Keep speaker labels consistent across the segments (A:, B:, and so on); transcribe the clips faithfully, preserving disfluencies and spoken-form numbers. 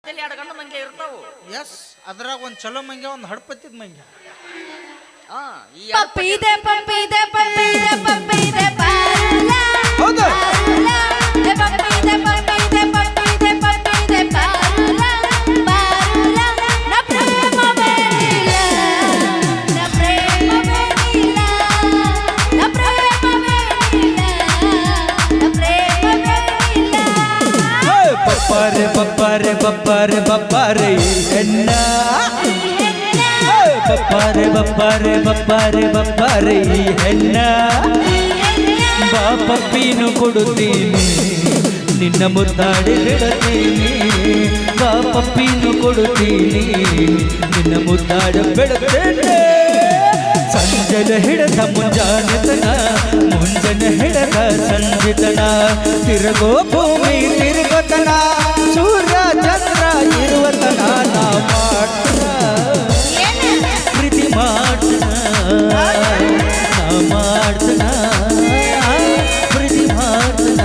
A: ಎರಡು ಗಂಡು ಮಂಗೆ ಇರ್ತಾವು.
B: ಎಸ್ ಅದ್ರಾಗ ಒಂದ್ ಚಲೋ ಮಂಗೆ ಒಂದ್ ಹಡ್ಪತ್ತಿದ್ ಮಂಗೆ.
A: ಹಾ ಈ
C: ಪಪ್ಪಿದೆ ಪಪ್ಪಿದೆ ಪಪ್ಪಿದೆ ಪಪ್ಪಿದೆ ಪಾಲ
B: ಹೌದು
C: ಪಪ್ಪಿದೆ ಪಪ್ಪಿದೆ ಪಪ್ಪಿದೆ ಪಪ್ಪಿದೆ ಪಾಲ ಪಾಲ ನ ಪ್ರೇಮ ಬೇರಿಲ್ಲ ನ ಪ್ರೇಮ ಬೇರಿಲ್ಲ ನ ಪ್ರೇಮ ಬೇರಿಲ್ಲ ನ ಪ್ರೇಮ ಬೇರಿಲ್ಲ.
D: ಬಪ್ಪಾರೆ ಬಪ್ಪಾರೆ ಬಪ್ಪಾರೆ ಬಪ್ಪಾರೆ ಹೆಣ್ಣ ಬಪ್ಪಾರೆ ಬಪ್ಪಾರೆ ಬಪ್ಪಾರೆ ಬಪ್ಪಾರೆ ಈ ಹೆಣ್ಣ ಬಾ ಪಪ್ಪಿನು ಕೊಡುತ್ತೀನಿ ನಿನ್ನ ಮುದ್ದಾಡಿ ಬಿಡುತ್ತೀನಿ ಬಾ ಪಪ್ಪಿನು ಕೊಡುತ್ತೀನಿ ನಿನ್ನ ಮುದ್ದಾಡ ಬಿಡುತ್ತೇನೆ ಸಂಜನ ಹಿಡದ ಮುಂಜಾನೆತನ ಮುಂಜನ ಹಿಡದ ಸಂಜಿತನ ತಿರುಗೋ ಭೂಮಿ ತಿರುಗತನ ಸೂರ್ಯ ಚಂದ್ರ ಇರುವತನ ನಾ ಮಾಡ್ತನ ಪ್ರೀತಿ ಮಾಡ್ತನ ನಾ ಮಾಡ್ತನ ಪ್ರೀತಿ ಮಾಡ್ತನ.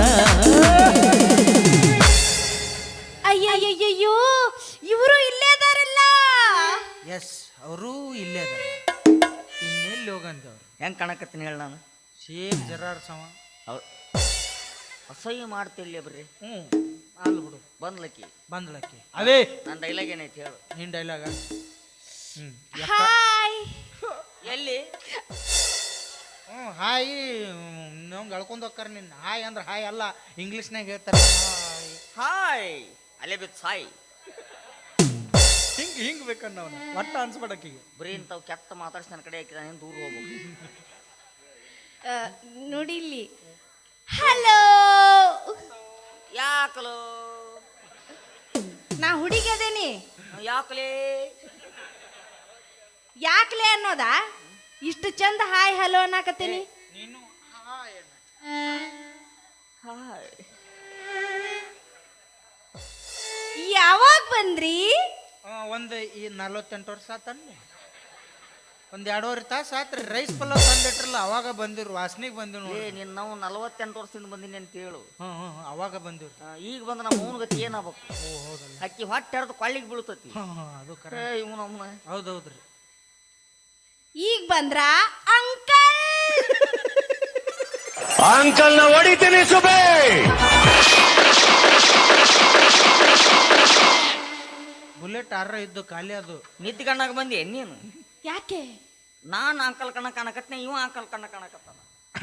C: ಅಯ್ಯಯ್ಯಯ್ಯೋ ಇವರು ಇಲ್ಲೇ ಅದಾರಲ್ಲ.
B: ಎಸ್ ಅವರು ಇಲ್ಲೇ ಅದಾರ. ಇನ್ನೆಲ್ಲಿ ಹೋಗಂತವ್ರು
A: ಹೆಂಗ್ ಕಾಣಕತ್ತೀನಿ ಹೇಳ ನಾನು.
B: ಸೇಮ್ ಜರಾರ್ ಸಮ
A: ಅವ್ರು ಅಸಹ್ಯ ಮಾಡ್ತಿಲ್ಲ ಬರ್ರಿ.
B: ಹ್ಞೂ ಅಲ್ ಬಿಡು
A: ಬಂದ್ಲಕ್ಕಿ
B: ಬಂದ್ಲಕ್ಕಿ ಅವೇ
A: ನನ್ನ ಡೈಲಾಗ್ ಏನೈತಿ ಹೇಳು.
B: ನಿನ್ ಡೈಲಾಗ ಹ್ಮ್
C: ಹಾಯ್
A: ಎಲ್ಲಿ
B: ಹ್ಞೂ ಹಾಯ್ ನಮ್ಗೆ ಎಳ್ಕೊಂಡು ಹೋಗ್ತಾರ ನಿನ್ನ ಹಾಯ್ ಅಂದ್ರೆ ಹಾಯ್ ಅಲ್ಲ ಇಂಗ್ಲೀಷ್ನಾಗ ಹೇಳ್ತಾರೆ ಹಾಯ್
A: ಹಾಯ್ ಅಲ್ಲೇ ಬಿತ್ತು ಸಾಯ್.
B: ಹಿಂಗೆ ಹಿಂಗೆ ಬೇಕನ್ನ ಅವನು ಒಟ್ಟ ಅನ್ಸ್ಬೇಡಕ್ಕಿಗೆ
A: ಬರೀ ಇಂಥವು ಕೆಟ್ಟ ಮಾತಾಡ್ಸಿ ನನ್ನ ಕಡೆ ಹಾಕಿದ ದೂರ ಹೋಗ್ಬೇಕು.
C: ನೋಡಿಲ್ಲಿ ಹಲೋ
A: ಯಾಕಲೋ
C: ನಾ ಹುಡುಗದೇನಿ
A: ಯಾಕಲೇ
C: ಯಾಕ್ಲೆ ಅನ್ನೋದಾ ಇಷ್ಟು ಚಂದ ಹಾಯ್ ಹಲೋ ಅನ್ನಕತ್ತೀನಿ.
B: ನೀನು ಹಾಯ್
A: ಹಾಯ್
C: ಯಾವಾಗ ಬಂದ್ರಿ?
B: ಒಂದು ಈ ನಲ್ವತ್ತೆಂಟು ವರ್ಷ ಆತನ್ನಿ ಒಂದು ಎರಡೂವರೆ ತಾಸು ಆತ್ರಿ. ರೈಸ್ ಪಲಾವ್ ತಂದಿಟ್ರಲ್ಲ ಅವಾಗ ಬಂದಿರು ವಾಸನೆಗೆ ಬಂದಿರು
A: ಏ
B: ನೋಡಿ.
A: ನೀನು ನಾವು ನಲವತ್ತೆಂಟು ವರ್ಷದಿಂದ ಬಂದೀನಿ ಅಂತ ಹೇಳು.
B: ಹ್ಞೂ ಹ್ಞೂ ಅವಾಗ ಬಂದಿರು.
A: ಆ, ಈಗ ಬಂದ ನಮ್ಮ ಮೂನ್ ಗತಿ ಏನಾಗಬೇಕು.
B: ಓ ಹೌದಲ್ಲ
A: ಅಕ್ಕಿ ಹೊಟ್ಟೆ ಹರಿದು ಕೊಳ್ಳಿಗೆ ಬೀಳ್ತತಿ.
B: ಹಾಂ ಹಾಂ ಅದು
A: ಏ
B: ಕರೆ
A: ಇವ್ ನಮ್ಮನ
B: ಹೌದೌದ್ರಿ.
C: ಈಗ ಬಂದ್ರ ಅಂಕಲ್
E: ಅಂಕಲ್ ನ ಹೊಡಿತೀನಿ ಸುಬೇ.
B: ಬುಲೆಟ್ ಆರ ಇದ್ದು ಖಾಲಿ ಅದು
A: ನಿದ್ದೆ ಕಣ್ಣಾಗ ಬಂದಿ ನೀನು.
C: ಯಾಕೆ?
A: ನಾನು ಅಂಕಲ್ ಕಣ್ಣ ಕಾಣಕತ್ನೆ, ಇವ ಅಂಕಲ್ ಕಣ್ಣ ಕಾಣಕತ್ತಾನ.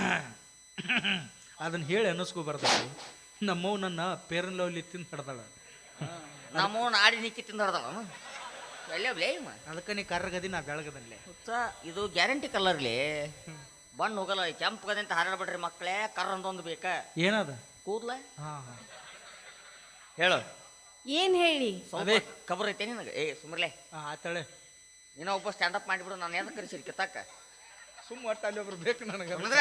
B: ಅದನ್ನ ಹೇಳಿ ಅನ್ನಿಸ್ಕೋಬಾರ್ದು. ನಮ್ಮವ್ ನನ್ನ ಪೇರನ್ ಲವ್ಲಿ ತಿಂದು ಹಿಡ್ದಾಳ.
A: ನಮ್ಮವನ್ ಆಡಿ ನಿಕ್ಕಿ ತಿಂದರ್ದವ ಎಲ್ಲೇ ಬ್ಲೇ ಇವ.
B: ಅದಕ್ಕೆ ನೀ ಕರ್ರಗದಿ ನಾ ಬೆಳಗದಲ್ಲೇ.
A: ಹುಚ್ಚ, ಇದು ಗ್ಯಾರಂಟಿ ಕಲರ್ಲಿ ಬಣ್ಣ ಹೋಗಲ್ಲ. ಕೆಂಪು ಗದಂತ ಹಾರಾಡ್ಬಿಡ್ರಿ ಮಕ್ಕಳೇ. ಕರ್ರ ಅಂತೊಂದು ಬೇಕ
B: ಏನದ
A: ಕೂದ್ಲ
B: ಹಾಂ ಹಾಂ
A: ಹೇಳು.
C: ಏನ್ ಹೇಳಿ?
A: ಅದೇ ಖಬರ್ ಐತೆ ನಿನಗೆ. ಏ ಸುಮ್ರಲೆ
B: ಹಾಂ ಆತಳೆ
A: ನೀನೋ ಒಬ್ಬ ಸ್ಟ್ಯಾಂಡಪ್ ಮಾಡಿಬಿಡು. ನಾನು ಎದಕ್ಕೆ ಕರೆಸಿರಿ ಕಿತ್ತಾಕ
B: ಸುಮ್ಮ ಒಟ್ಟು ಅಲ್ಲಿ ಒಬ್ರು ಬೇಕು ನನಗೆ.
A: ಅಂದ್ರೆ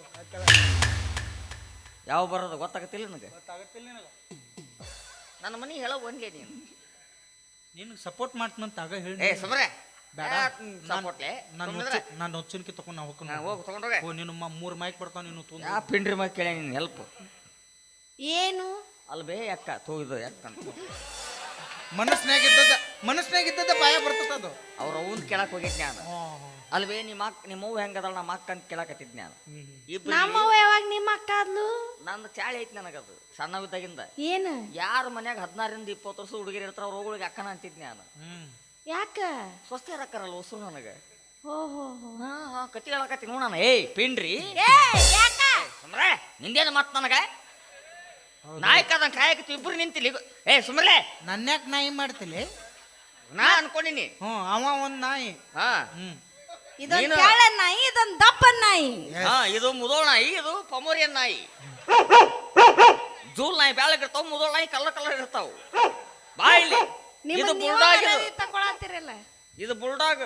A: ಯಾವ ಬರೋದು ಗೊತ್ತಾಗತ್ತಿಲ್ಲ ನನಗೆ.
B: ಗೊತ್ತಾಗತ್ತಿಲ್ಲ ನಿನಗೆ.
A: ನನ್ನ ಮನೆ ಹೇಳೋ ಒಂದ್ಲೇ ನೀನು.
B: ನಿನಗೆ ಸಪೋರ್ಟ್ ಮಾಡ್ತಂತ ಆಗ ಹೇಳಿ.
A: ಏ ಸುಮ್ರೆ
B: ಬೇಡ
A: ಸಪೋರ್ಟ್ಲೆ
B: ನಾನು ನಾನು ಹೊಚ್ಚನ್ಕಿ ತಗೊಂಡು ನಾ ಹೋಗ್ಕೊಂಡು
A: ಹೋಗಿ ತಗೊಂಡೋಗ.
B: ಓ ನೀನು ಮೂರು ಮೈಕ್ ಬರ್ತಾವ ನೀನು ತುಂಬ
A: ಯಾ ಪಿಂಡ್ರಿ ಮಗ ಕೇಳ ನೀನು ಹೆಲ್ಪ್.
C: ಏನು
A: ಅಲ್ಲಿ ಬೇ ಅಕ್ಕ ತೋಗಿದ್ದು ಯಾಕ ಅಂತ
B: ಮನಸ್ನಾಗಿದ್ದದ ಮನಸ್ನಾಗಿದ್ದದ ಬಾಯ ಬರ್ತದ ಅದು.
A: ಅವ್ರ ಅವನ್ ಕೇಳಕ್ ಹೋಗಿದ್ ನಾನು. ಅಲ್ವೇ ನಿಮ್ಮ ಅಕ್ಕ ನಿಮ್ಮ ಅವ್ವ ಹೆಂಗದಳ ನಮ್ಮ ಅಕ್ಕ ಅಂತ ಕೇಳಕತ್ತಿದ್ ನಾನು. ಇಬ್ರು
C: ನಮ್ಮವ್ವ ಯಾವಾಗ ನಿಮ್ಮ ಅಕ್ಕ ಆದ್ಲು?
A: ನಂದು ಚಾಳಿ ಐತಿ ನನಗದು ಸಣ್ಣವಿದ್ದಾಗಿಂದ.
C: ಏನು
A: ಯಾರ ಮನ್ಯಾಗ ಹದಿನಾರರಿಂದ ಇಪ್ಪತ್ತು ವರ್ಷ ಹುಡುಗಿರು ಇರ್ತಾರ ಅವ್ರ ಹೋಗಳಿಗೆ ಅಕ್ಕನ ಅಂತಿದ್ ನಾನು.
C: ಯಾಕ?
A: ಸ್ವಸ್ಥ ರಕ್ಕರಲ್ಲ ಹೊಸರು ನನಗೆ.
C: ಹೋ ಹೋ ಹೋ
A: ಹಾ ಹಾ ಕತಿ ಹೇಳಕತ್ತಿ ನೋಡ ನಾನು. ಏಯ್ ಪಿಂಡ್ರಿ
C: ಏ ಯಾಕ?
A: ಸುಮ್ರೆ ನಿಂದೇನು ಮತ್ ನನಗೆ ನಾಯಕದಂಗ ಕಾಯಕತ್ತಿ ಇಬ್ರು ನಿಂತಿಲ್ಲ. ಏ ಸುಮ್ರಲೆ
B: ನನ್ಯಾಕ ನಾಯಿ ಮಾಡ್ತಿಲಿ?
A: ನಾ ಅನ್ಕೊಂಡಿನಿ.
B: ಹ್ಞೂ ಅವ ಒಂದ್ ನಾಯಿ.
A: ಹಾ
B: ಹ್ಮ್
C: ಇದೊಂದ್
A: ನೀನು-
C: ಕೆಳ ನಾಯಿ ಇದೊಂದ್ ದಪ್ಪ ನಾಯಿ.
A: ಹಾ ಇದು ಮುದೋಳ ನಾಯಿ, ಇದು ಪಮೋರಿಯನ್ ನಾಯಿ. ಜೂಲ್ ನಾಯಿ ಬ್ಯಾಳಗಿರ್ತಾವ, ಮುದೋಳ ನಾಯಿ ಕಲರ್ ಕಲರ್ ಇರ್ತಾವ. ಬಾ ಇಲ್ಲಿ. ಇದು ಬುಲ್ಡಾಗ್. ಇದು
C: ತಗೊಳತ್ತಿರಲ್ಲ.
A: ಇದು ಬುಲ್ಡಾಗ್.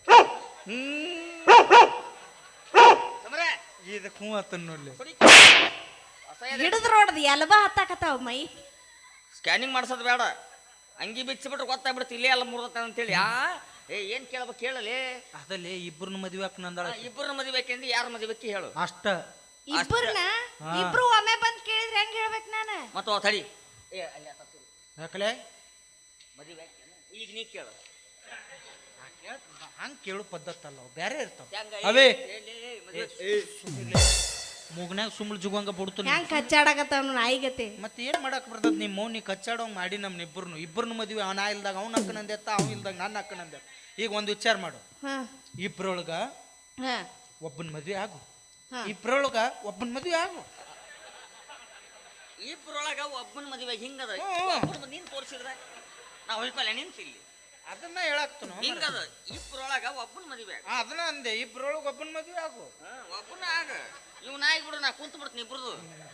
B: ಇದಕ್ಕೆ ಹ್ಞೂ ಆತನ್ ನೋಡ್ಲಿ.
C: ಹಿಡಿದ್ರು ನೋಡ್ದು ಎಲ್ಬ ಹತ್ತಾಕತ್ತಾವ ಮೈ.
A: ಸ್ಕ್ಯಾನಿಂಗ್ ಮಾಡ್ಸೋದು ಬೇಡ, ಅಂಗಿ ಬಿಚ್ಚಿಬಿಟ್ರೆ ಗೊತ್ತಾಗ್ಬಿಡುತ್ತೆ ಇಲ್ಲೇ ಎಲ್ಲ ಮುರ್ದತ್ತ ಅಂತೇಳಿ. ಆ ಏ ಏನ್ ಕೇಳ್ಬೇಕು ಕೇಳಲಿ.
B: ಅದಲ್ಲಿ ಇಬ್ಬರನ್ನ ಮದುವೆ ಹಾಕ ನಂದಾಳ.
A: ಇಬ್ಬರನ್ನ ಮದುವೆಬೇಕೆಂದು ಯಾರ ಮದುವೆಕ್ಕೆ ಹೇಳು
B: ಅಷ್ಟ.
C: ಇಬ್ಬರನ್ನ ಇಬ್ರು ಒಮ್ಮೆ ಬಂದ್ ಕೇಳಿದ್ರೆ ಹೆಂಗ್ ಹೇಳ್ಬೇಕು ನಾನು?
A: ಮತ್ತು ತಡಿ. ಏ ಅಲ್ಲಿ
B: ಯಾಕಲೆ
A: ಮದುವೆ ಆಯ್ತೇನ? ಈಗ ನೀ ಕೇಳು
B: ಹಂಗೆ ಕೇಳು ಪದ್ಧತಲ್ಲ ಅವು ಬೇರೆ ಇರ್ತಾವ
A: ಹೆಂಗ
B: ಅವೇ
A: ಏ, ಲೇ, ಲೇ, ಮದುವೆ
B: ಮೂಗ್ನ್ಯಾಗ ಸುಮ್ಮಳು ಜುಗಂಗ ಬಿಡ್ತು
C: ಹೆಂಗ್ ಕಚ್ಚಾಡಕತ್ತಾವ ನಾಯಿಗತಿ
B: ಮತ್ತೆ ಏನ್ ಮಾಡಕ್ ಬರ್ತದ ನಿಮ್ಮ ಮೌನಿ ಕಚ್ಚಾಡೋಂಗ್ ಮಾಡಿ ನಮ್ನ ಇಬ್ಬರನು ಇಬ್ಬರನು ಮದ್ವಿ ಅವನ ಇಲ್ದಾಗ ಅವ್ನ ಅಕ್ಕನಂದೆತ್ತ ಅವ್ ಇಲ್ದಾಗ ನನ್ನ ಅಕ್ಕನಂದೆ ಈಗ ಒಂದು ವಿಚಾರ ಮಾಡು
C: ಹಾ
B: ಇಬ್ರೊಳಗ
C: ಹಾ
B: ಒಬ್ಬನ ಮದ್ವೆ ಆಗು
C: ಹಾ.
B: ಇಬ್ರೊಳಗ ಒಬ್ಬನ ಮದ್ವೆ ಆಗು
A: ಇಬ್ರೊಳಗ ಒಬ್ಬನ ಮದುವೆ ಹಿಂಗದ
B: ಹ್ಮ್.
A: ಒಬ್ಬನ ನೀನ್ ತೋರಿಸಿದ್ರ ನಾ ಹೊಯ್ಕೊಲ್ಲ ನಿಂತಿಲ್ಲಿ
B: ಅದನ್ನ ಹೇಳಾಕ್ತನು
A: ಹಿಂಗದ ಇಬ್ರೊಳಗ ಒಬ್ಬನ ಮದುವೆ ಆಗ.
B: ಅದನ್ನ ಅಂದೆ ಇಬ್ರೊಳಗ ಒಬ್ಬನ ಮದ್ವೆ ಆಗು
A: ಹಾ, ಒಬ್ಬನ ಆಗ ಇವ್ ನಾಯಿ ಬಿಡು ನಾ ಕುಂತ ಬಿಡ್ತೀನಿ ಇಬ್ರದು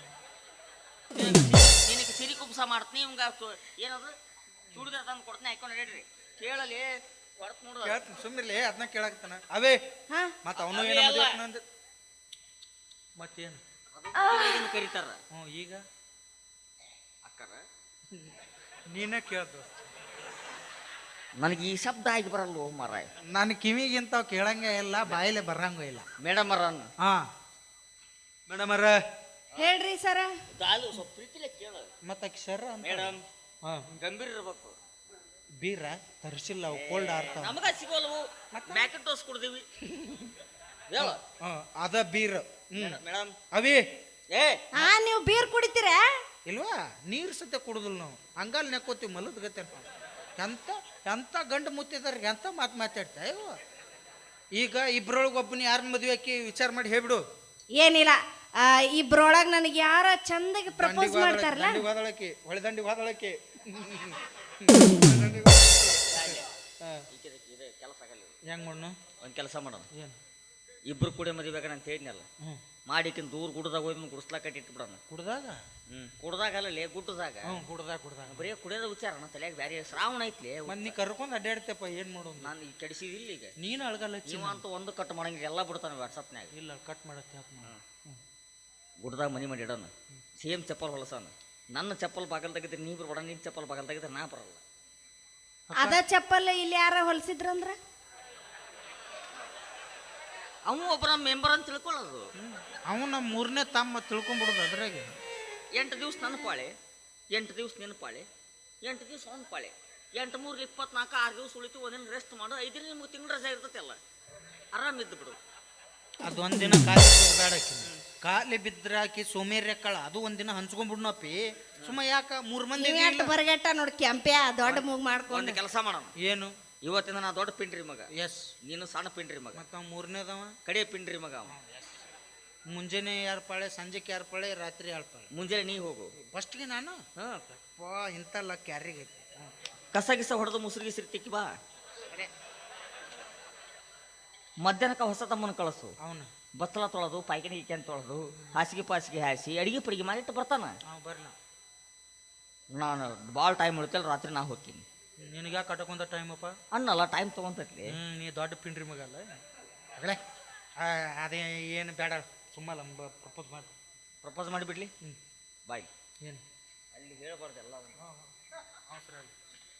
A: ನಿನಗೆ ಸಿರಿ ಕುಬ್ಸ ಮಾಡ್ತೀನಿ ಇವಂಗ ಸು- ಏನದು ಚೂಡಿದಾರ ತಂದು ಕೊಡ್ತೀನಿ ಹಾಕೊಂಡು ನಡೀರಿ ಕೇಳಲಿ ಹೊಡ್ತ ನೋಡು
B: ಕೇಳ್ತೀನಿ ಸುಮ್ಮಿರ್ಲಿ ಅದನ್ನ ಕೇಳಾಕ್ತಾನ ಅವೇ
C: ಹಾ
B: ಮತ್ತ ಅವನು
A: ಅವೇ
B: ಏನ
A: ಅಲ್ಲ.
B: ಮದ್ವೆ ಆಕ್ತಾನ ಅಂದೆ ಮತ್ತೇನು
A: ಇದನ್ನ ಕರೀತಾರ
B: ಹ್ಞೂ ಈಗ
A: ಅಕ್ಕರ
B: ನೀನೇ ಕೇಳ್ದು
A: ನನಗೆ ಈ ಶಬ್ದ ಆಗಿ ಬರಲ್ಲ ಮಾರಾಯ
B: ನನ್ನ ಕಿವಿಗಿಂತ ಕೇಳಂಗೆ ಇಲ್ಲ ಬಾಯಿಲೆ ಬರಂಗ ಇಲ್ಲ
A: ಮೇಡಮ್ ಅರನ್
B: ಹಾ ಮೇಡಮ್ ಅರ
C: ಹೇಳ್ರಿ ಸರ
A: ದಾಲು ಸ್ವಲ್ಪ ಪ್ರೀತಿಲೆ ಕೇಳ
B: ಮತ್ತ ಅಕ್ಷರ ಅಂತ
A: ಮೇಡಮ್
B: ಹಾ
A: ಗಂಭೀರ ಇರ್ಬೇಕು
B: ಬೀರ ತರಿಸಿಲ್ಲ ಅವು ಕೋಲ್ಡ್ ಆರ್ತಾವ
A: ನಮಗ ಸಿಗೋಲ್ವು ಮ್ಯಾಕೆಟ್ ಡೋಸ್ ಕೊಡ್ತೀವಿ ಹೇಳ
B: ಹಾ ಅದ ಬೀರ್ ಹ್ಮ್
A: ಮೇಡಮ್
B: ಅವಿ
A: ಏ
C: ಹಾ ನೀವು ಬೀರ್ ಕುಡಿತೀರಾ
B: ಇಲ್ವಾ ನೀರ್ ಸತೆ ಕುಡುದಿಲ್ಲ ನಾವು ಹಂಗಲ್ ನೆಕ್ಕೋತೀವಿ ಮಲದ ಗತೆ ಎಂತ ಎಂತ ಗಂಡು ಮುತ್ತಿದಾರ ಎಂತ ಮಾತು ಮಾತಾಡ್ತಾ ಇವ ಈಗ ಇಬ್ರೊಳಗೆ ಒಬ್ಬನ ಯಾರನ್ನ ಮದುವೆ ಹಾಕಿ ವಿಚಾರ ಮಾಡಿ ಹೇಳ್ಬಿಡು
C: ಏನಿಲ್ಲ ಆ, ಇಬ್ರೊಳಗ್ ನನಗೆ ಯಾರ ಚಂದಗೆ ಪ್ರಪೋಸ್ ಮಾಡ್ತಾರಲ್ಲ
B: ವಾದಳಕಿ ಹೊಳೆದಂಡಿ ವಾದಳಕಿ
A: ಕೆಲಸ ಆಗಲ್ಲ
B: ಹೆಂಗ್ ಮಣ್ಣು
A: ಒಂದು ಕೆಲಸ ಮಾಡೋಣ
B: ಏನು
A: ಇಬ್ರು ಕೂಡ ಮದುವೆ ಅಂತ ಹೇಳಿದ್ನಲ್ಲ
B: ಹ್ಞೂ
A: ಮಾಡಿಕಿನ್ ದೂರ ಗುಡ್ದಾಗ ಹೋಗಿ ಗುಡಿಸ್ಲಾ ಕಟ್ಟಿಟ್ಟು ಬಿಡೋಣ
B: ಕುಡ್ದಾಗ
A: ಹ್ಮ್ ಕುಡ್ದಾಗ ಅಲ್ಲಲೇ ಗುಡ್ಡದಾಗ
B: ಹ್ಞೂ ಕುಡ್ದಾಗ ಕುಡ್ದಾಗ
A: ಬರೀ ಕುಡಿಯೋದ ವಿಚಾರ ತಲೆಯಾಗ ಬ್ಯಾರೆ ಶ್ರಾವಣ ಐತ್ಲಿ
B: ಮತ್ತೆ ನೀ ಕರ್ಕೊಂಡು ಅಡ್ಡಾಡ್ತೇಪ್ಪ ಏನು ಮಾಡೋದು
A: ನಾನು ಈಗ ಕೆಡಿಸಿದಿಲ್ಲ ಈಗ
B: ನೀನು ಅಳಗಲ್ಲ ಹಚ್ಚಿ
A: ನೀವಂತೂ ಒಂದು ಕಟ್ ಮಾಡಂಗಿಲ್ಲ ಎಲ್ಲ ಬಿಡ್ತಾನೆ ವಾಟ್ಸಪ್ನ್ಯಾಗ
B: ಇಲ್ಲ ಕಟ್ ಮಾಡತ್ತೆ
A: ಗುಡ್ದಾಗ ಮನಿ ಮಾಡಿ ಇಡೋಣ ಸೇಮ್ ಚಪ್ಪಲ್ ಹೊಲಸಾನ ನನ್ನ ಚಪ್ಪಲ್ ಬಾಗಲ್ ತೆಗಿದ್ರೆ ನೀ ಬರ್ಬೇಡ ನಿನ್ ಚಪ್ಪಲ್ ಬಾಗಲ್ ತೆಗಿದ್ರೆ ನಾ ಬರಲ್ಲ
C: ಅದ ಚಪ್ಪಲ್ ಇಲ್ಲಿ ಯಾರ ಹೊಲ್ಸಿದ್ರಂದ್ರ
A: ಅವ ಒಬ್ಬ ನಮ್ಮ ಮೆಂಬರ್ ಅಂತ ತಿಳ್ಕೊಳ್ಳೋದು
B: ಅವನು ನಮ್ಮ ಮೂರನೇ ತಮ್ಮ ತಿಳ್ಕೊಂಬಿಡೋದು ಅದ್ರಾಗೆ
A: ಎಂಟು ದಿವ್ಸ ನನ್ನ ಪಾಳೆ ಎಂಟು ದಿವ್ಸ ನಿನ್ನ ಪಾಳೆ ಎಂಟು ದಿವ್ಸ ಅವ್ನ ಪಾಳೆ ಎಂಟು ಮೂರು ಇಪ್ಪತ್ನಾಲ್ಕು ಆರು ದಿವ್ಸ ಉಳಿತು ಒಂದಿನ ರೆಸ್ಟ್ ಮಾಡು ಐದಿನ ನಿಮ್ಗೆ ತಿಂಗಳ ರಜೆ ಇರ್ತೈತಿ ಅಲ್ಲ ಆರಾಮಿದ್ದು ಬಿಡು
B: ಅದು ಒಂದಿನ ಖಾಲಿ ಬೇಡಾಕಿ ಖಾಲಿ ಬಿದ್ರಾಕಿ ಸೋಮೇರ್ಯಕ್ಕಳ ಅದು ಒಂದಿನ ಹಂಚ್ಕೊಂಡ್ಬಿಡ್ನಪ್ಪಿ ಸುಮ್ಮ ಯಾಕ ಮೂರ್ ಮಂದಿ
C: ನೀವ್ ಎಷ್ಟು ಬರಗೆಟ್ಟ ನೋಡಿ ಕೆಂಪ್ಯಾ ದೊಡ್ಡ ಮೂಗ್
A: ಒಂದು
C: ಮಾಡ್ಕೊಂಡು
A: ಕೆಲಸ ಮಾಡೋಣ
B: ಏನು
A: ಇವತ್ತಿನ ನಾ ದೊಡ್ಡ ಪಿಂಡ್ರಿ ಮಗ
B: ಎಸ್
A: ನೀನು ಸಣ್ಣ ಪಿಂಡ್ರಿ ಮಗ
B: ಮತ್ತ ಅವ ಮೂರನೇದವ
A: ಕಡೆ ಪಿಂಡ್ರಿ ಮಗ ಅವ
B: ಮುಂಜಾನೆ ಯಾರು ಪಾಳೆ ಸಂಜೆಗೆ ಯಾರು ಪಾಳೆ ರಾತ್ರಿ ಯಾರು ಪಾಳೆ
A: ಮುಂಜಾನೆ ನೀ ಹೋಗು
B: ಫಸ್ಟ್ಗೆ ನಾನು
A: ಹಾಂ
B: ಪಾ ಇಂತಲ್ಲ ಕ್ಯಾರಿಗೆ ಐತಿ
A: ಕಸ ಗಿಸ ಹೊಡೆದು ಮುಸುರು ಗಿಸಿರು ತಿಕ್ಕಿ ಬಾ ಮಧ್ಯಾಹ್ನಕ್ಕೆ ಹೊಸ ತಮ್ಮನ ಕಳಿಸು
B: ಅವನು
A: ಬತ್ತಲ ತೊಳೆದು ಪಾಯ್ಕಣಿ ಗಿಕ್ಯಾನ್ ತೊಳೆದು ಹಾಸಿಗೆ ಪಾಸಿಗೆ ಹಾಸಿ ಅಡಿಗೆ ಪಡಿಗೆ ಮಾಡಿಟ್ಟು ಬರ್ತಾನ
B: ಅವ ಬರ್ಲ
A: ನಾನು ಭಾಳ ಟೈಮ್ ಉಳಿತಲ್ಲ ರಾತ್ರಿ ನಾ ಹೋಗ್ತೀನಿ
B: ನಿನಗೆ ಯಾಕೆ ಕಟ್ಕೊಂಡ ಟೈಮಪ್ಪ
A: ಅನ್ನಲ್ಲ ಟೈಮ್ ತೊಗೊಂತೈತ್ಲಿ
B: ಹ್ಞೂ ನೀ ದೊಡ್ಡ ಪಿಂಡ್ರಿ ಮಗ ಅಲ್ಲ ಅಗಲೇ ಅದೇ ಏನು ಬೇಡ ಸುಮ್ಮಲ್ಲ ಪ್ರಪೋಸ್ ಮಾಡಿ
A: ಪ್ರಪೋಸ್ ಮಾಡಿಬಿಡ್ಲಿ
B: ಹ್ಞೂ
A: ಬಾಯ್
B: ಏನು
A: ಅಲ್ಲಿ ಹೇಳ್ಬಾರ್ದು ಎಲ್ಲ
B: ಅವಸರ ಇಲ್ಲ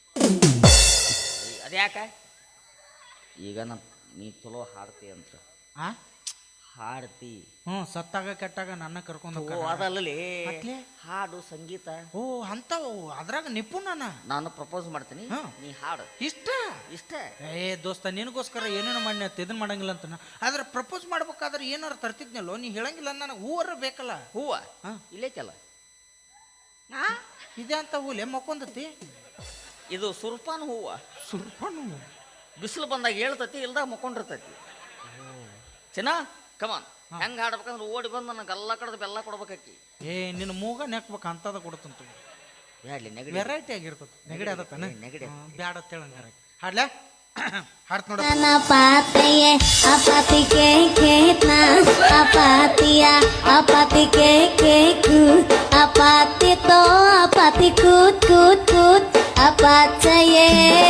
A: ಅದ್ಯಾಕ ಈಗ ನಾ ನೀ ಚಲೋ ಹಾಡ್ತಿ ಅಂತ
B: ಆ
A: ಹಾಡ್ತಿ
B: ಹ್ಞೂ ಸತ್ತಾಗ ಕೆಟ್ಟಾಗ ನನ್ನ ಕರ್ಕೊಂಡು
A: ಓ ಅದಲ್ಲೇ
B: ಮತ್ಲೆ?
A: ಹಾಡು ಸಂಗೀತ
B: ಓ ಅಂಥವು ಅದ್ರಾಗ ನಿಪುಣನ
A: ನಾನು ಪ್ರಪೋಸ್ ಮಾಡ್ತೀನಿ
B: ಹಾ.
A: ನೀ ಹಾಡು
B: ಇಷ್ಟ
A: ಇಷ್ಟ
B: ಏ ದೋಸ್ತ ನಿನಗೋಸ್ಕರ ಏನೇನು ಮಾಡಿ ಇದನ್ನ ಮಾಡಂಗಿಲ್ಲ ಅಂತ ಆದ್ರೆ ಪ್ರಪೋಸ್ ಮಾಡ್ಬೇಕಾದ್ರೆ ಏನಾರು ತರ್ತಿದ್ನಲ್ಲೋ ನೀ ಹೇಳಂಗಿಲ್ಲ ನನಗೆ ಹೂವರ ಬೇಕಲ್ಲ
A: ಹೂವ
B: ಹಾ.
A: ಇಲ್ಲೇಕಲ್ಲ
C: ಆ
B: ಇದೆ ಅಂತ ಹೂಲೆ ಮಕ್ಕೊಂದತಿ
A: ಇದು ಸುರ್ಪಾನ ಹೂವ
B: ಸುರ್ಪಣ್ಣು
A: ಬಿಸಿಲು ಬಂದಾಗ ಹೇಳ್ತತಿ ಇಲ್ದಾಗ ಮಕ್ಕೊಂಡಿರ್ತೈತಿ ಚೆನ್ನ ಕಮಾನ್ ಹೆಂಗ್ ಹಾಡ್ಬೇಕಂದ್ರೆ ಓಡಿ ಬಂದು ನನಗೆ ಎಲ್ಲ ಕಡೆದು ಬೆಲ್ಲ ಕೊಡ್ಬೇಕಾಕಿ
B: ಏ ನಿನ್ನ ಮೂಗ ನೆಕ್ಬೇಕು ಅಂತದ ಕೊಡುತ್ತಂತ
A: ಬ್ಯಾಡ್ಲಿ ನೆಗಡಿ
B: ವೆರೈಟಿ ಆಗಿರ್ತದೆ ನೆಗಡಿ ಅದತ್ತಾನೆ
A: ಏ, ನೆಗಡಿ.
B: ಬ್ಯಾಡ ಅಂತೇಳಂಗಾರ ಹಾಡ್ಲಾ ಹಾಡ್ತ ನೋಡ
F: Apatía, apatía que na, apatía, apatía que ku, apatía to, apatía kut kut kut, apatía.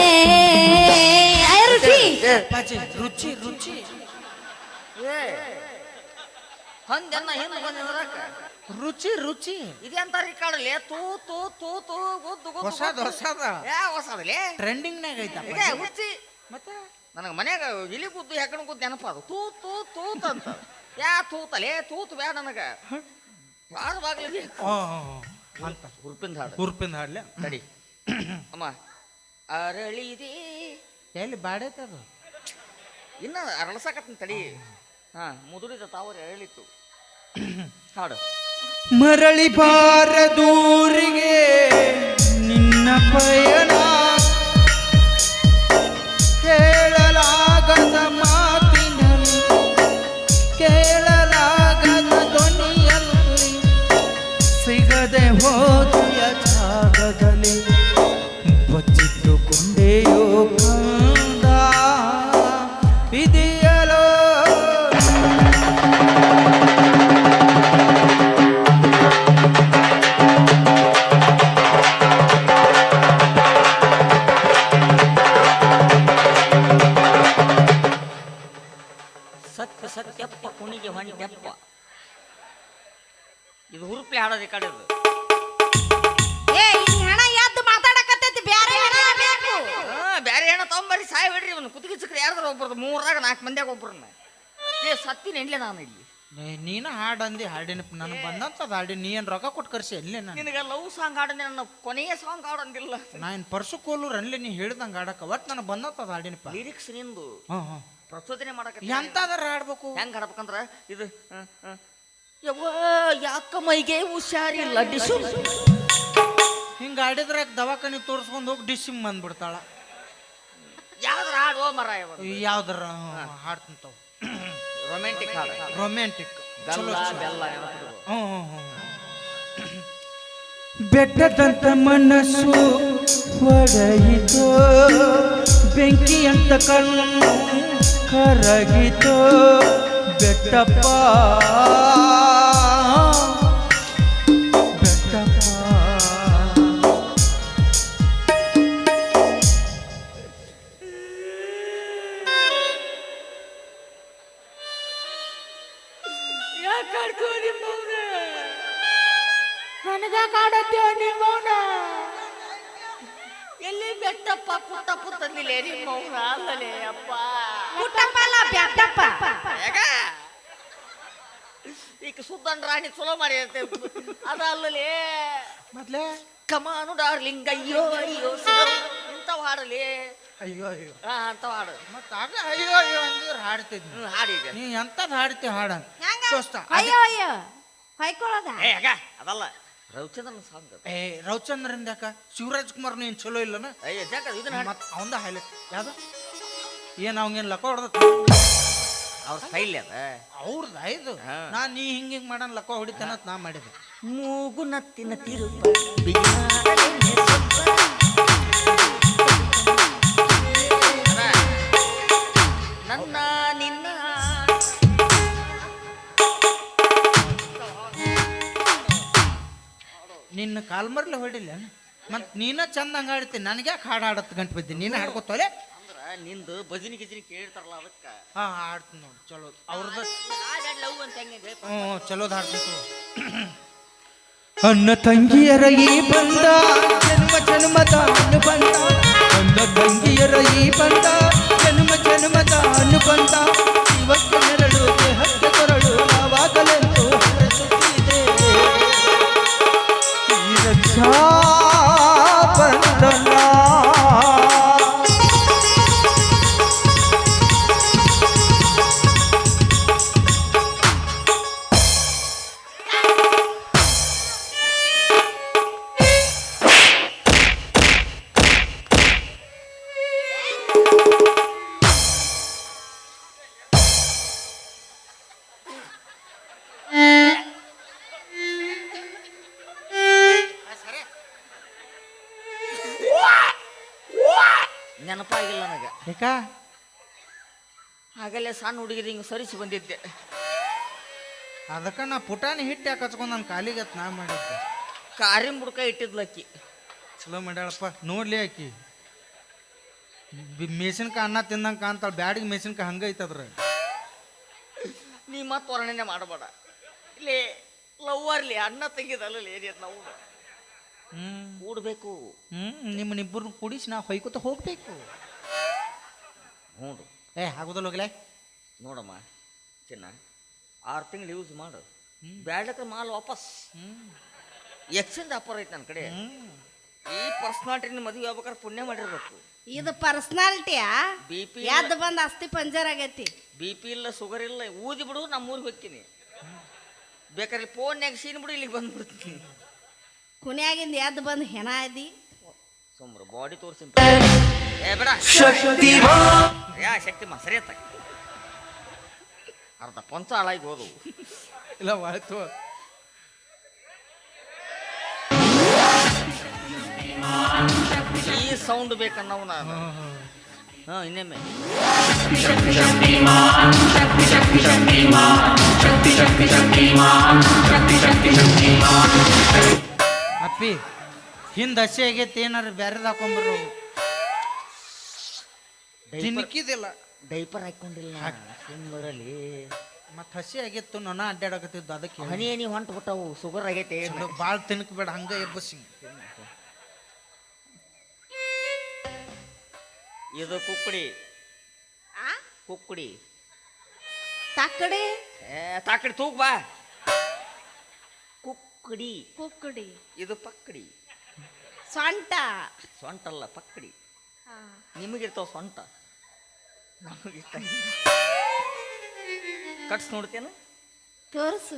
F: Ayo Ruchi.
B: ಪಾಚಿ ರುಚಿ ರುಚಿ
A: ಏ ಹಂಗೆನ್ನ ಹಿಂದೆ ಬಂದಿದ್ರಾಕ
B: ರುಚಿ ರುಚಿ
A: ಇದೆಂತ ರಿಕಾರ್ಡಲ್ಲಿ ತೂ ತೂ ತೂ ತೂ ಗುದ್ದು ಗುದ್ದು
B: ಹೊಸದ ಹೊಸದ
A: ಯಾ ಹೊಸದಲೇ
B: ಟ್ರೆಂಡಿಂಗ್ನಾಗ ಐತಪ್ಪ
A: ಇದೆ ಹುಚ್ಚಿ
B: ಮತ್ತೆ
A: ನನಗೆ ಮನ್ಯಾಗ ಇಲಿ ಗುದ್ದು ಹೆಕ್ಕಣ ಗುದ್ದು ನೆನಪ ಅದು ತೂ ತೂ ತೂತ್ ಅಂತ ಯಾ ತೂತಲೇ ತೂತ್ ಬ್ಯಾ ನನಗೆ ಬಾಳ ಬಾಗ್ಲಿಗೆ
B: ಓ ಅಂತ
A: ಹುರುಪಿಂದ ಹಾಡು
B: ಹುರ್ಪಿಂದ ಹಾಡ್ಲೆ
A: ತಡಿ ಅಮ್ಮ ಅರಳಿದೆ
B: ಎಲ್ಲಿ ಬಾಡೈತದು
A: ಇನ್ನ ಅರಳಸಾಕತ್ತೀನಿ ತಡಿ ಹಾ ಮುದುರಿದ ತಾವರೆ ಅರಳಿತ್ತು ಹಾಡು
B: ಮರಳಿ ಬಾರದೂರಿಗೆ ನಿನ್ನ ಪಯಣ ಕೇಳಲಾಗದ ಮಾತಿನಲ್ಲಿ ಕೇಳಲಾಗದ ಧ್ವನಿಯಲ್ಲಿ ಸಿಗದೆ ಹೋದೆಯ ಜಾಗದಲ್ಲಿ ಬಚ್ಚಿಟ್ಟುಕೊಂಡೆಯೋ ಕಂದ ಇದೆಯಲೋ
A: ಸತ್ಯ ಸತ್ಯಪ್ಪ ಕುಣಿಗೆ ಹೊಂಟೆಪ್ಪ ಇದು ಹುರುಪ್ಲೆ ಹಾಡೋದು ಈ ಕಡೆದು
C: ಏ ಈ ಹಣ ಎದ್ದು ಮಾತಾಡಕತ್ತೈತಿ ಬ್ಯಾರೆ ಹಣ ಬೇಕು
A: ಹಾ ಬ್ಯಾರೆ ಹೆಣ ತಗೊಂಬರ್ರಿ ಸಾಯ್ ಬಿಡ್ರಿ ಇವನು ಕುತ್ತಿಗೆ ಚಿಕ್ರೆ ಯಾರ್ದಾರ ಒಬ್ಬರದು ಮೂರಾಗ ನಾಲ್ಕು ಮಂದಿಯಾಗ ಒಬ್ಬರನ್ನ ಏ ಸತ್ತಿನ ಎಣ್ಲೆ ನಾನು ಇಲ್ಲಿ
B: ಏ, ನೀನ ಹಾಡಂದಿ ಹಾಡಿನ ನನಗೆ ಬಂದಂತದ ಹಾಡಿ ನೀ ಏನು ರೊಕ್ಕ ಕೊಟ್ಟು ಕರ್ಸಿ ಅಲ್ಲೇ ನಾನು
A: ನಿನಗೆ ಲವ್ ಸಾಂಗ್ ಹಾಡಂದೆ ನನ್ನ ಕೊನೆಯ ಸಾಂಗ್ ಹಾಡಂದಿಲ್ಲ
B: ನಾ ಏನು ಪರ್ಸು ಕೋಲೂರು ಅಲ್ಲೇ ನೀ ಹೇಳ್ದಂಗೆ ಹಾಡಕ ಒಟ್ಟು ನನಗೆ ಬಂದಂತದ ಹಾಡಿನಪ್ಪ
A: ಲಿರಿಕ್ಸ್ ನಿಂದು
B: ಹಾಂ ಹಾಂ
A: ಪ್ರಚೋದನೆ ಮಾಡಕ
B: ಎಂತಾದ್ರ ಹಾಡ್ಬೇಕು
A: ಹೆಂಗ್ ಹಾಡ್ಬೇಕಂದ್ರ ಇದು ಹ, ಹ. ಯವ್ವ ಯಾಕ ಮೈಗೆ ಹುಷಾರಿಲ್ಲ ಡಿಶು
B: ಹಿಂಗೆ ಹಾಡಿದ್ರೆ ದವಾಖಾನೆ ತೋರಿಸ್ಕೊಂಡು ಹೋಗಿ ಡಿಸ್ಸಿಂಗ್ ಬಂದ್ಬಿಡ್ತಾಳ
A: ಯಾವ್ದಾರ ಹಾಡುವ ಮರ
B: ಯಾವ್ದಾರ ಹಾಡ್ತಂತಾವ
A: ರೊಮ್ಯಾಂಟಿಕ್ ಹಾಡು
B: ರೊಮ್ಯಾಂಟಿಕ್
A: ಬೆಲ್ಲ ಬೆಲ್ಲ ನೆನಪಿಡು.
B: ಹ್ಞೂ ಹ್ಞೂ ಹ್ಞೂ ಬೆಟ್ಟದಂತ ಮನಸ್ಸು ಒಡೆಯಿತೋ ಬೆಂಕಿಯಂತ ಕಣ್ಣು ಕರಗಿತೋ ಬೆಟ್ಟಪ್ಪ ಬೆಟ್ಟಪ್ಪ
C: ನನಗ ಕಾಡತ್ತೇವ ನಿಮ್ಮವನ
A: ಎಲ್ಲಿ ಬೆಟ್ಟಪ್ಪ ಪುಟ್ಟಪ್ಪ ತಂದಿಲ್ಲ ನಿಮ್ಮ ಮೌನ ಅಲ್ಲಲೇ ಅಪ್ಪ
C: ಪುಟ್ಟಪ್ಪ ಅಲ್ಲ ಬ್ಯಾಟಪ್ಪ
A: ಯಾಕ ಈಗ ಸುದ್ದನ್ ರಾಣಿ ಚಲೋ ಮಾಡಿ ಅದ ಅಲ್ಲಲೇ
B: ಮೊದ್ಲೇ
A: ಕಮಾನು ಡಾರ್ಲಿಂಗ್ ಅಯ್ಯೋ ಅಯ್ಯೋ ಸುಧಾ- ಇಂಥವ್ ಹಾಡಲಿ
B: ಅಯ್ಯೋ ಅಯ್ಯೋ
A: ಹಾ ಅಂಥವ್ ಹಾಡು
B: ಮತ್ತೆ ಆಗ ಅಯ್ಯೋ ಅಯ್ಯೋ ಅಂದಿದ್ರೆ ಹಾಡ್ತಿದ್ನಿ
A: ಹ್ಮ್ ಹಾಡೀಗ
B: ನೀ ಎಂಥದ್ದು ಹಾಡ್ತಿ ಹಾಡ
C: ಹೆಂಗ
B: ದೋಸ್ತ
C: ಅಯ್ಯೋ ಅಯ್ಯೋ ಹೊಯ್ಕೊಳ್ಳೋದ
A: ಏ ಯಾಕ ಅದಲ್ಲ ರವಿಚಂದ್ರನ್ ಸಾಂಗ್
B: ಏ ರವಿಚಂದ್ರನ್ ಯಾಕ ಶಿವರಾಜ್ ಕುಮಾರ್ ನೀನ್ ಚಲೋ ಇಲ್ಲನ
A: ಅಯ್ಯ ಯಾಕ ಇದನ್ನ ಹಾಡು
B: ಮತ್ ಅವಂದ ಹೈಲೈಟ್ ಯಾವ್ದು ಏನ್ ಅವಂಗೇನ್ ಲಕ್ಕ ಹೊಡೆದ
A: ಅವ್ರ ಸ್ಟೈಲ್ ಅದ
B: ಅವ್ರದ್ದು ಇದು
A: ಹಾ.
B: ನಾ ನೀ ಹಿಂಗ ಹಿಂಗ್ ಮಾಡನ್ ಲಕ್ಕ ಹೊಡಿತೇನತ್ ನಾ ಮಾಡಿದೆ
A: ಮೂಗು ನತ್ತಿನ ತಿರುಪ ನನ್ನ ನಿನ್ನ
B: ನಿನ್ನ ಕಾಲ್ಮರ್ಲೆ ಹೊಡಿಲ್ಲ ಮತ್ ನೀನ ಚಂದ ಹಂಗ ಹಾಡ್ತೀನಿ ನನಗೆ ಯಾಕೆ ಹಾಡು ಹಾಡತ್ ಗಂಟು ಬಿದ್ದಿ ನೀನ ಹಾಡ್ಕೊತೋಲೆ
A: ಅಂದ್ರ ನಿಂದು ಭಜನಿ ಗಿಜನಿ ಕೇಳ್ತಾರಲ್ಲ ಅದಕ್ಕ
B: ಹಾ ಹಾಡ್ತೀನಿ ನೋಡಿ ಚಲೋ ಅವ್ರದ್ದು
A: ಲವ್ ಅಂತ ಹೆಂಗೆ
B: ಹ್ಞೂ ಚಲೋದ್ ಹಾಡ್ತೀನಿ ಅನ್ನ ತಂಗಿಯರ ಈ ಬಂದ ಜನ್ಮ ಜನ್ಮದ ಅನುಬಂಧ ಅನ್ನ ತಂಗಿಯರ ಈ ಬಂದ ಜನ್ಮ ಜನ್ಮದ ಅನುಬಂಧ ಇವತ್ತು ನೆರಳು ದೇಹಕ್ಕೆ ಕೊರಳು ಯಾವಾಗಲೆಂದು ಹರಸುತ್ತಿದೆ ಈ ರಕ್ಷಾ ಬಂಧನ
A: ನೆನಪಾಗಿಲ್ಲ ನನಗೆ
B: ಯಾಕ
A: ಆಗಲೇ ಸಣ್ಣ ಹುಡುಗಿದ ಹಿಂಗೆ ಸರಿಸಿ ಬಂದಿದ್ದೆ
B: ಅದಕ್ಕೆ ನಾ ಪುಟಾಣಿ ಹಿಟ್ಟು ಯಾಕೆ ಹಚ್ಕೊಂಡು ನನ್ನ ಕಾಲಿಗೆ ಹತ್ ನಾ ಮಾಡಿದ್ದೆ
A: ಕಾರಿನ ಬುಡ್ಕ ಇಟ್ಟಿದ್ಲಕ್ಕಿ
B: ಚಲೋ ಮಾಡ್ಯಾಳಪ್ಪ ನೋಡ್ಲಿ ಆಕಿ ಮೆಣಸಿನ್ಕಾಯಿ ಅನ್ನ ತಿಂದಂಗೆ ಕಾಣ್ತಾಳ ಬ್ಯಾಡಿಗೆ ಮೆಣಸಿನ್ಕಾಯಿ ಹಂಗೆ ಐತದ್ರ
A: ನೀ ಮತ್ತೆ ವರ್ಣನೆ ಮಾಡಬೇಡ ಇಲ್ಲಿ ಲವ್ವರ್ಲಿ ಅಣ್ಣ ತೆಗಿದಲ್ಲ ಏರಿಯ ನಾವು
B: ಹ್ಮ್
A: ಕೂಡ್ಬೇಕು
B: ಹ್ಮ್ ನಿಮ್ಮನ್ನಿಬ್ಬರು ಕೂಡಿಸಿ ನಾ ಹೊಯ್ಕೋತ ಹೋಗ್ಬೇಕು
A: ಹ್ಞೂ
B: ಏ ಆಗೋದಲ್ಲ ಹೋಗ್ಲೇ
A: ನೋಡಮ್ಮ ಚಿನ್ನ ಆರು ತಿಂಗಳು ಯೂಸ್ ಮಾಡು ಬ್ಯಾಡಕ್ಕೆ ಮಾಲ್ ವಾಪಸ್
B: ಹ್ಮ್
A: ಎಕ್ಸ್ಚೇಂಜ್ ಆಫರ್ ಐತೆ ನನ್ನ ಕಡೆ
B: ಹ್ಮ್
A: ಈ ಪರ್ಸನಾಲಿಟಿ ಮದುವೆ ಆಗ್ಬೇಕಾದ್ರೆ ಪುಣ್ಯ ಮಾಡಿರ್ಬೇಕು.
C: ಇದು ಪರ್ಸನಾಲಿಟಿಯಾ?
A: ಬಿ ಪಿ
C: ಎದ್ದು ಬಂದ್ ಅಸ್ಥಿ ಪಂಜರ್ ಆಗೈತಿ.
A: ಬಿ ಪಿ ಇಲ್ಲ, ಶುಗರ್ ಇಲ್ಲ, ಊದಿ ಬಿಡು, ನಮ್ಮ ಊರಿಗೆ ಹೋಗ್ತೀನಿ. ಬೇಕಾದ್ರೆ ಫೋನ್ಯಾಗ ಸೀನ್ ಬಿಡು, ಇಲ್ಲಿಗೆ ಬಂದ್ಬಿಡ್ತೀನಿ.
C: ಕುನ್ಯಾಗಿಂದ ಎದ್ದು ಬಂದ್ ಹೆಣ ಇದಿ.
A: ಸುಮ್ರು ಬಾಡಿ ತೋರಿಸಿ ಏ ಬೇಡ ಯಾ ಶಕ್ತಿ ಮಾ ಸರಿ ಅತ್ತ ಅರ್ಧ ಪಂಚ ಹಾಳಾಗಿ ಹೋದವು.
B: ಇಲ್ಲ ಆಯ್ತು.
A: ಈ ಸೌಂಡ್ ಬೇಕನ್ನವು ನಾನು. ಹಾ ಇನ್ನೊಮ್ಮೆ
B: ಅಪ್ಪಿ ಹಿಂದ ಹಸಿ ಆಗೈತಿ, ಏನಾರ ಬ್ಯಾರೆದ್ ಹಾಕೊಂಡ್ಬರು. ತಿನ್ನಿಕ್ಕಿದಿಲ್ಲ,
A: ಡೈಪರ್ ಹಾಕೊಂಡಿಲ್ಲ ಸುಮ್ಮರಲ್ಲಿ.
B: ಮತ್ತೆ ಹಸಿ ಆಗಿತ್ತು, ನನ್ನ ಅಡ್ಡಾಡಕತ್ತಿದ್ದು ಅದಕ್ಕೆ.
A: ಹನಿ ಹನಿ ಹೊಂಟು ಬಿಟ್ಟವು, ಶುಗರ್ ಆಗೈತೆ.
B: ಭಾಳ ತಿನ್ಕಬೇಡ, ಹಂಗ ಎಬ್ಬಸಿ.
A: ಇದು ಕುಕ್ಕಡಿ.
C: ಆ
A: ಕುಕ್ಕಡಿ
C: ತಕ್ಕಡಿ
A: ಏ ತಾಕಡಿ ತೂಗ್ ಬಾ. ಕುಕ್ಕಡಿ
C: ಕುಕ್ಕಡಿ.
A: ಇದು ಪಕ್ಕಡಿ.
C: ಸೊಂಟ.
A: ಸೊಂಟಲ್ಲ ಪಕ್ಕಡಿ.
C: ಹಾ.
A: ನಿಮಗಿರ್ತಾವ ಸೊಂಟ, ನಮಗಿರ್ತ. ಕಟ್ಸ್ ನೋಡ್ತೇನ
C: ತೋರ್ಸು.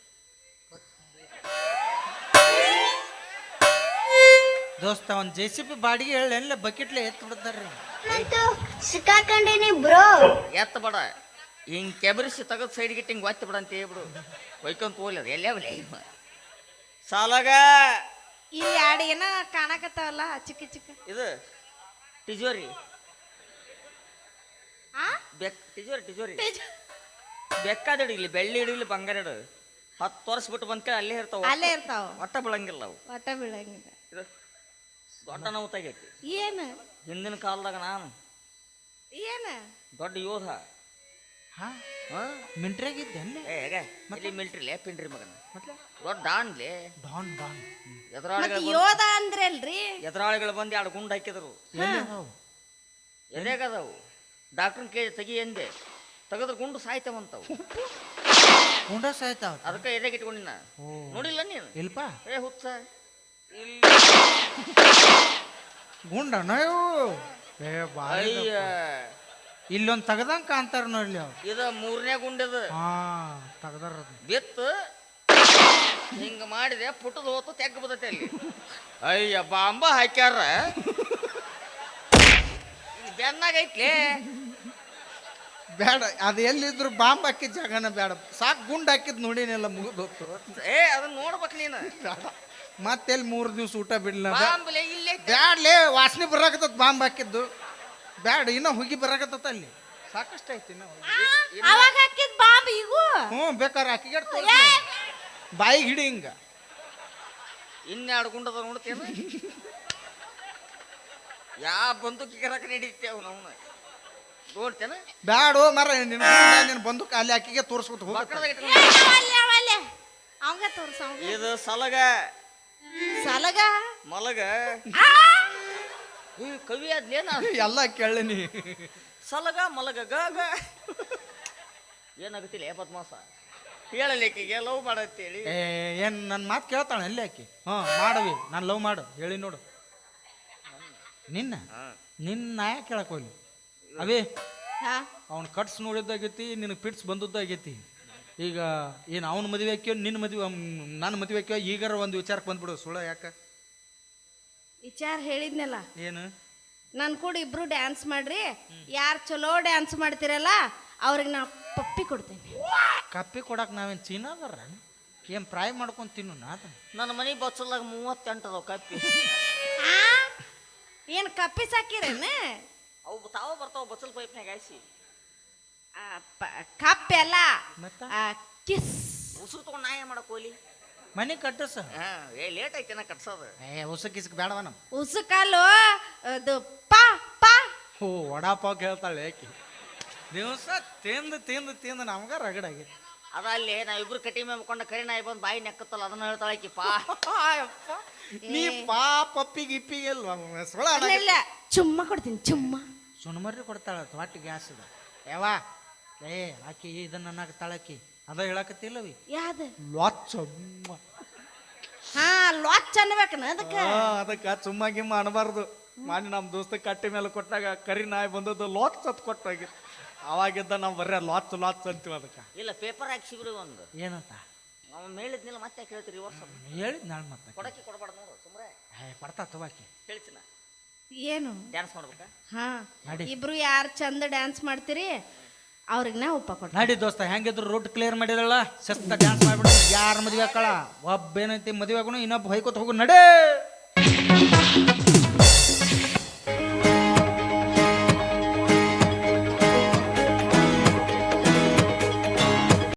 B: ದೋಸ್ತ ಒಂದು ಜೆ ಸಿ ಪಿ ಬಾಡಿಗೆ ಹೇಳಿ ಎಲ್ಲ ಬಕೆಟ್ಲೆ ಎತ್ತು ಬಿಡ್ತಾರ್ರಿ.
F: ಸಿಕ್ಕಾಕೊಂಡೇನಿ ಬ್ರೋ.
A: ಎತ್ತ ಬೇಡ, ಹಿಂಗ್ ಕೆಬರಿಸಿ ತಗದ್ ಸೈಡ್ ಗಿಟ್ಟು ಹಿಂಗ್ ಒತ್ತಿ ಬಿಡ ಅಂತ ಹೇಳ್ಬಿಡು. ಒಯ್ಕೊಂತ ಹೋಗ್ಲಿ ಅದು ಎಲ್ಲೇ ಬಲಿ ಸಾಲಾಗ.
C: ಇಲ್ಲಿ ಎರಡು ಏನ ಕಾಣಕತ್ತಾವಲ್ಲ ಚಿಕ್ಕ ಚಿಕ್ಕ.
A: ಇದು ಟಿಜೋರಿ.
C: ಆ
A: ಬೆಕ್ ಟಿಜೋರಿ ಟಿಜೋರಿ ಬೆಕ್ಕಾದಿಡು, ಇಲ್ಲಿ ಬೆಳ್ಳಿ ಇಡು, ಇಲ್ಲಿ ಬಂಗಾರ ಇಡು. ಹತ್ತು ವರ್ಷ ಬಿಟ್ಟು ಬಂದ್ಕೇಳಿ ಅಲ್ಲೇ ಇರ್ತಾವ,
C: ಅಲ್ಲೇ ಇರ್ತಾವ,
A: ಒಟ್ಟ ಬೀಳಂಗಿಲ್ಲ ಅವು.
C: ಒಟ್ಟ ಬೀಳಂಗಿಲ್ಲ.
A: ಇದು ದೊಡ್ಡ ನೋವು ತೆಗೈತಿ.
C: ಏನು
A: ಹಿಂದಿನ ಕಾಲದಾಗ ನಾನು
C: ಏನ
A: ದೊಡ್ಡ ಯೋಧ.
B: ಹಾ
A: ಹಾ
B: ಮಿಂಟ್ರಿಯಾಗಿದ್ದೆ ಅಲ್ಲಿ.
A: ಏ ಹೇಗೆ ಇಲ್ಲಿ ಮಿಲ್ಟ್ರಿಲೇ ಪಿಂಡ್ರಿ ಮಗನ
B: ಮತ್ತೆ
A: ದೊಡ್ಡ ಡಾನ್ಲೇ.
B: ಡಾನ್ ಡಾನ್
C: ಮತ್
A: ಎದುರಾಳಿಗಳು
C: ಯೋಧ ಅಂದ್ರಲ್ರಿ.
A: ಎದುರಾಳಿಗಳು ಬಂದು ಎರಡು ಗುಂಡು ಹಾಕಿದ್ರು. ಎದೆಗದವು ಡಾಕ್ಟ್ರನ್ ಕೇಳಿ ತೆಗಿ ಎಂದೆ, ತೆಗೆದ್ರೆ ಗುಂಡು ಸಾಯ್ತಾವಂತವು.
B: ಗುಂಡ ಸಾಯ್ತಾವ.
A: ಅದಕ್ಕೆ ಎದೆಗೆ ಇಟ್ಕೊಂಡಿನ ನೋಡಿಲ್ಲ ನೀನು?
B: ಇಲ್ಪ
A: ಏ ಹುಚ್ಚ ಇಲ್ಲಿ
B: ಗುಂಡನ ಏ ಬಾಯಿ.
A: ಅಯ್ಯ
B: ಇಲ್ಲೊಂದು ತೆಗ್ದಂಗ ಕಾಣ್ತಾರ ನೋಡ್ಲಿ ಅವ್.
A: ಇದು ಮೂರನೇ ಗುಂಡಿದ.
B: ಹಾ ತೆಗ್ದಾರ.
A: ಬಿತ್ತು ಹಿಂಗ ಮಾಡಿದೆ, ಪುಟ್ಟದ ಹೋತು ತೆಗ್ಗ ಬದತೆ ಅಲ್ಲಿ. ಅಯ್ಯ ಬಾಂಬ ಹಾಕ್ಯಾರ ಬೆನ್ನಾಗೈತ್ಲೇ.
B: ಬೇಡ, ಅದು ಎಲ್ಲಿದ್ರು ಬಾಂಬ್ ಹಾಕಿದ ಜಾಗನ ಬೇಡ, ಸಾಕು ಗುಂಡ್ ಹಾಕಿದ್ ನೋಡಿನೆಲ್ಲ ಮುಗಿದೋತು.
A: ಏ ಅದನ್ನ ನೋಡ್ಬೇಕು ನೀನು.
B: ಮತ್ತೆಲ್ಲಿ ಮೂರು ದಿವ್ಸ ಊಟ ಬಿಡ್ಲ.
A: ಬಾಂಬ್ಲೆ ಇಲ್ಲೇ
B: ಬ್ಯಾಡ್ಲೇ, ವಾಸನೆ ಬರಾಕತ್ತ ಬಾಂಬ್ ಹಾಕಿದ್ದು. ಬ್ಯಾಡ, ಇನ್ನ ಹುಗಿ ಬರಾಕತ್ತ ಅಲ್ಲಿ. ಸಾಕಷ್ಟು ಐತಿ ಇನ್ನ ಹುಗಿ.
C: ಅವಾಗ ಹಾಕಿದ್ ಬಾಂಬ್ ಈಗೂ.
B: ಹ್ಞೂ ಬೇಕಾರೆ ಹಾಕಿಗೆ ಬಾಯಿಗೆ ಹಿಡಿ ಹಿಂಗ.
A: ಇನ್ನೆರಡು ಗುಂಡದ ನೋಡ್ತೇನೆ. ಯಾ ಬಂದೂಕಿಗೆ ರೊಕ್ಕ ನಡೀತೇವ್ ನಾವು ನೋಡ್ತೇನೆ.
B: ಬ್ಯಾಡೋ ಮರ, ನಿನ್ನ ನಿನ್ನ ಬಂದೂಕ ಅಲ್ಲಿ ಹಾಕಿಗೆ ತೋರಿಸ್ಬಿಟ್ಟು ಹೋಗ.
C: ಅವಂಗ ತೋರ್ಸ.
A: ಇದು ಸಲಗ
C: ಸಲಗ
A: ಮಲಗ. ಈ ಕವಿ ಅದ್ಲೇನ
B: ಎಲ್ಲ ಕೇಳನಿ.
A: ಸಲಗ ಮಲಗ ಗ ಏನಾಗುತ್ತಿಲ್ಲ ಏ ಬದ್ಮಾಸ. ಹೇಳಲಿಕ್ಕಿಗೆ ಲವ್ ಮಾಡತ್ತೇಳಿ.
B: ಏ ಏನ್ ನನ್ನ ಮಾತು ಕೇಳ್ತಾಳೆ ಅಲ್ಲಿ ಆಕಿ. ಹ್ಞೂ ಮಾಡವಿ, ನಾನು ಲವ್ ಮಾಡು ಹೇಳಿ ನೋಡು. ನಿನ್ನ ನಿನ್ನ ನಾಯ ಕೇಳಕ್ ಹೋಗ್ಲಿ ಅವೇ. ಅವ್ನ ಕಟ್ಸ್ ನೋಡಿದ್ದಾಗೈತಿ, ನಿನಗೆ ಪಿಟ್ಸ್ ಬಂದದ್ದಾಗೈತಿ. ಈಗ ಏನು ಅವನ ಮದುವೆ ಹಾಕ್ಯೋ, ನಿನ್ನ ಮದುವೆ ನನ್ನ ಮದುವೆ ಹಾಕ್ಯೋ, ಈಗಾರ ಒಂದು ವಿಚಾರಕ್ಕೆ ಬಂದ್ಬಿಡು. ಸುಳ್ಳ ಯಾಕ
C: ವಿಚಾರ ಹೇಳಿದ್ನಲ್ಲ.
B: ಏನು
C: ನನ್ ಕೂಡ ಇಬ್ರು ಡ್ಯಾನ್ಸ್ ಮಾಡ್ರಿ, ಯಾರು ಚಲೋ ಡ್ಯಾನ್ಸ್ ಮಾಡ್ತಿರಲ್ಲ ಅವ್ರಿಗೆ ನಾ ಪಪ್ಪಿ ಕೊಡ್ತೇನೆ.
B: ಕಪ್ಪಿ ಕೊಡಕ್ಕೆ ನಾವೇನು ಚೀನಾದಾರ ಏನು ಫ್ರೈ ಮಾಡ್ಕೊಂಡು ತಿನ್ನು ನಾ.
A: ನನ್ನ ಮನೆ ಬಚ್ಚಲ್ದಾಗ ಮೂವತ್ತೆಂಟು ಅದಾವ ಕಪ್ಪಿ.
C: ಏನು ಕಪ್ಪಿ ಸಾಕಿರೇನ?
A: ಅವು ತಾವ ಬರ್ತಾವ ಬಚ್ಚಲ್ ಪೈಪ್ನಾಗ ಹಾಯಿಸಿ.
C: ಕಪ್ಪಿ ಅಲ್ಲ,
B: ಮತ್ತೆ
C: ಕಿಸ್.
A: ಉಸುರು ತಗೊಂಡು ನಾ ಏನ್ ಮಾಡಕ್ ಹೋಲಿ?
B: ಮನೆ ಕಟ್ಟಸ.
A: ಹಾ ಏ ಲೇಟ್ ಐತೆ ನಾ ಕಟ್ಸೋದು.
B: ಏ ಉಸ ಕಿಸ್ಕ್ ಬೇಡವ ನಮ್ಮ
C: ಉಸುಕಲ್ಲು ಅದು ಪಾ ಪಾ.
B: ಓ ವಡಾಪಾವ್ ಕೇಳ್ತಾಳೆ ಯಾಕೆ. ದಿವಸ ತಿಂದು ತಿಂದು ತಿಂದು ನಮ್ಗ ರಗಡಾಗಿ.
A: ಅದ ಅಲ್ಲಿ ನಾವಿಬ್ರು ಕಟ್ಟಿ ಮೇಮ್ಕೊಂಡ ಕರಿ ನಾಯಿ ಬಂದು ಬಾಯಿ ನೆಕ್ಕತ್ತಲ್ಲ, ಅದನ್ನ ಹೇಳ್ತಾಳಕಿ ಪಾ.
B: ನೀ ಪಾ ಪಪ್ಪಿ ಗಿಪ್ಪಿಗೆ ಅಲ್ವಾ ಸೊಳ
C: ಇಲ್ಲ, ಚುಮ್ಮ ಕೊಡ್ತೀನಿ ಚುಮ್ಮ.
B: ಸುಣ್ಮರ್ರಿ ಕೊಡ್ತಾಳ ಹೊಟ್ಟೆ ಗ್ಯಾಸ್ ಇದೆ ಯಾವಾ. ಏ ಆಕಿ ಇದನ್ನ ಅನ್ನಕತ್ತಾಳಕಿ ಅದ ಹೇಳಕತ್ತಿಲ್ಲವಿ.
C: ಯಾವ್ದು?
B: ಲೊಚ್ಚ
C: ಹಾ ಲಾಚ್ ಅನ್ಬೇಕನ ಅದಕ್ಕೆ
B: ಅದಕ್ಕೆ ಚುಮ್ಮ ಗಿಮ್ಮ ಅನ್ಬಾರ್ದು. ಮಾಡಿ ನಮ್ಮ ದೋಸ್ತ ಕಟ್ಟಿ ಮೇಲೆ ಕೊಟ್ಟಾಗ ಕರಿ ನಾಯಿ ಬಂದದ್ದು ಲಾಚ್ ಸತ್ ಕೊಟ್ಟಾಗಿತ್ತು. ಅವಾಗಿದ್ದ ನಾವು ಬರ್ರಿ ಲಾಚ್ ಲಾಚ್ ಅಂತೀವಿ ಅದಕ್ಕೆ.
A: ಇಲ್ಲ ಪೇಪರ್ ಹಾಕಿ ಸಿಗ್ರಿ ಒಂದು
B: ಏನಂತ
A: ಅವ ಮೇಳಿದ್ನಿಲ್ಲ ಮತ್ತೆ ಕೇಳ್ತೀರಿ ವರ್ಷ
B: ಹೇಳಿದ್ ನಾಳೆ ಮತ್ತೆ
A: ಕೊಡಕ್ಕೆ ಕೊಡಬಾರ್ದು ನೋಡು ಸುಮ್ರೆ
B: ಏ ಕೊಡ್ತಾ ತವಾಕಿ
A: ಹೇಳ್ತೀನ
C: ಏನು
A: ಡ್ಯಾನ್ಸ್ ಮಾಡ್ಬೇಕಾ
C: ಹಾ
B: ನಡಿ.
C: ಇಬ್ರು ಯಾರು ಚಂದ ಡ್ಯಾನ್ಸ್ ಮಾಡ್ತೀರಿ ಅವ್ರಿಗೆ ನಾ ಉಪ್ಪ ಕೊಡ್ತೀನಿ.
B: ನಡಿ ದೋಸ್ತ ಹೆಂಗಿದ್ರು ರೂಟ್ ಕ್ಲಿಯರ್ ಮಾಡಿದಲ್ಲ ಶಿಸ್ತ ಡ್ಯಾನ್ಸ್ ಮಾಡ್ಬಿಡು. ಯಾರ ಮದುವೆ ಆಕಳ ಒಬ್ಬ ಏನೈತಿ ಮದುವೆ ಆಗೋಣ ಇನ್ನೊಬ್ಬ ಹೊಯ್ಕೋತ ಹೋಗು ನಡೇ.